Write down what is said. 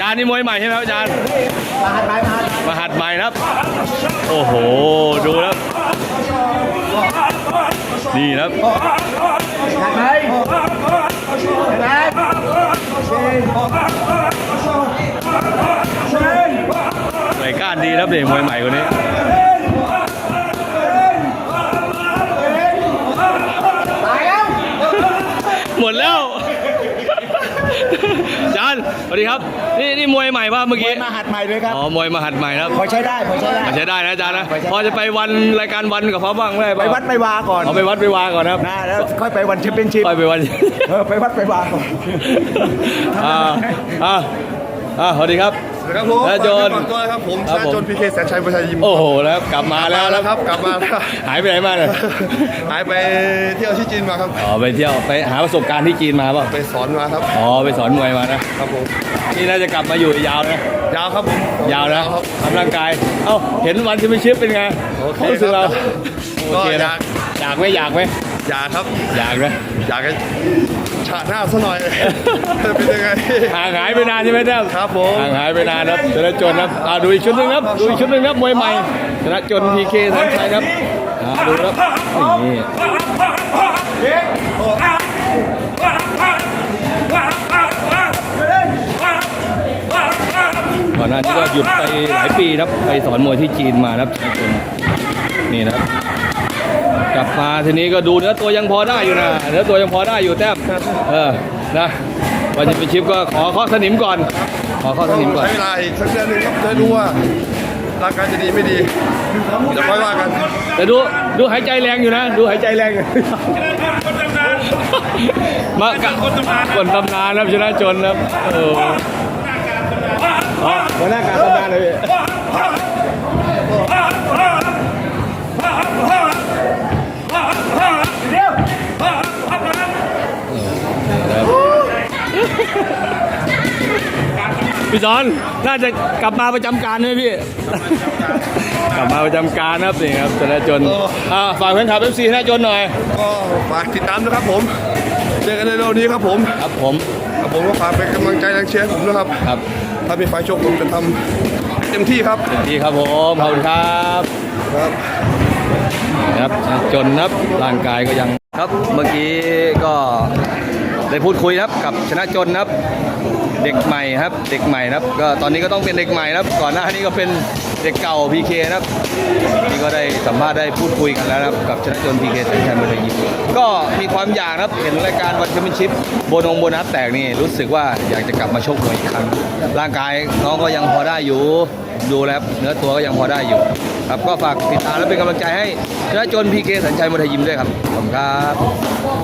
ารย์นี่มวยใหม่ใช่ไหมครับอาจารย์มาหัดใหม่ครับโอ้โหดูครับนี่ครับหน่วยก้านดีครับเด็กมวยใหม่คนนี้หมดแล้วอาจารย์สวัสดีครับนี่มวยใหม่ป่ะเมื่อกี้มาหัดใหม่เลยครับอ๋อมวยมาหัดใหม่ครับพอใช้ได้ใช้ได้นะอาจารย์นะพอจะไปวันรายการวันกับเขาบ้างได้ป่ะไปวัดไปวาก่อนเอาไปวัดไปวาก่อนครับแล้วค่อยไปวันแชมเปี้ยนชิพค่อยไปวันไปวัดไปวาก่อนสวัสดีครับครับผมแล้วโจนตัวครับผมชนะโจนพีเคแสนชัยประชายิมโอ้โหแล้วกลับมาแล้วครับกลับมาแล้วหายไปไหนมาเนี่ยหายไปเที่ยวที่จีนมาครับอ๋อไปเที่ยวไปหาประสบการณ์ที่จีนมาป่ะไปสอนมาครับอ๋อไปสอนมวยมานะครับผมนี่น่าจะกลับมาอยู่ยาวนะยาวครับผมยาวนะทำร่างกายเอ้าเห็นวันที่ไม่ชิปเป็นไงเขารู้สึกเราโอเคนะอยากไหมอยากครับอยากนะอยากฉาหน้าซะหน่อยเป็นยังไงห่างหายไปนานใช่ไหมเด้อครับผมห่างหายไปนานครับชนะจนครับดูอีกชุดหนึ่งครับดูอีกชุดหนึ่งครับมวยใหม่ชนะจนพีเคแสนชัยครับดูครับนี่ก่อนหน้านี้ก็หยุดไปหลายปีครับไปสอนมวยที่จีนมาครับนี่นะครับกลับมาทีนี้ก็ดูเนื้อตัวยังพอได้อยู่นะเนื้อตัวยังพอได้อยู่แต้มนะวันจะไปชิปก็ขอข้อสนิมก่อนขอข้อสนิมก่อนใช้เวลาอีกสักเดือนนึงครับจะดูว่าร่างกายจะดีไม่ดีจะค่อยว่ากันแต่ดูหายใจแรงอยู่นะดูหายใจแรงมาคนตำนานครับชนะจนครับหัวหน้าการตำนานเลยพี่สอนน่าจะกลับมาประจำการไหมพี่กลับมาประจำการครับนี่ครับชนะจนฝากแฟนคลับ FC ชนะจนหน่อยก็ฝากติดตามนะครับผมเจอกันในเร็วนี้ครับผมก็ฝากเป็นกำลังใจแรงเชียร์ผมนะครับถ้ามีไฟโชคผมจะทำเต็มที่ครับครับผมขอบคุณครับครับจนครับร่างกายก็ยังครับเมื่อกี้ก็ได้พูดคุยครับกับชนะจนครับเด็กใหม่ครับเด็กใหม่ครับก็ตอนนี้ก็ต้องเป็นเด็กใหม่ครับก่อนหน้านี้ก็เป็นเด็กเก่า PK ครับนี่ก็ได้สัมภาษณ์ได้พูดคุยกันแล้วครับกับชนะจน PK แสนชัยมวยไทยยิมก็มีความอยากครับเห็นรายการวันแชมเปี้ยนชิพโบนัสแตกนี่รู้สึกว่าอยากจะกลับมาชกมวยอีกครั้งร่างกายน้องก็ยังพอได้อยู่ดูแล้วเนื้อตัวก็ยังพอได้อยู่ครับก็ฝากติดตามและเป็นกำลังใจให้ชนะจน PK แสนชัยมวยไทยยิมด้วยครับขอบคุณครับ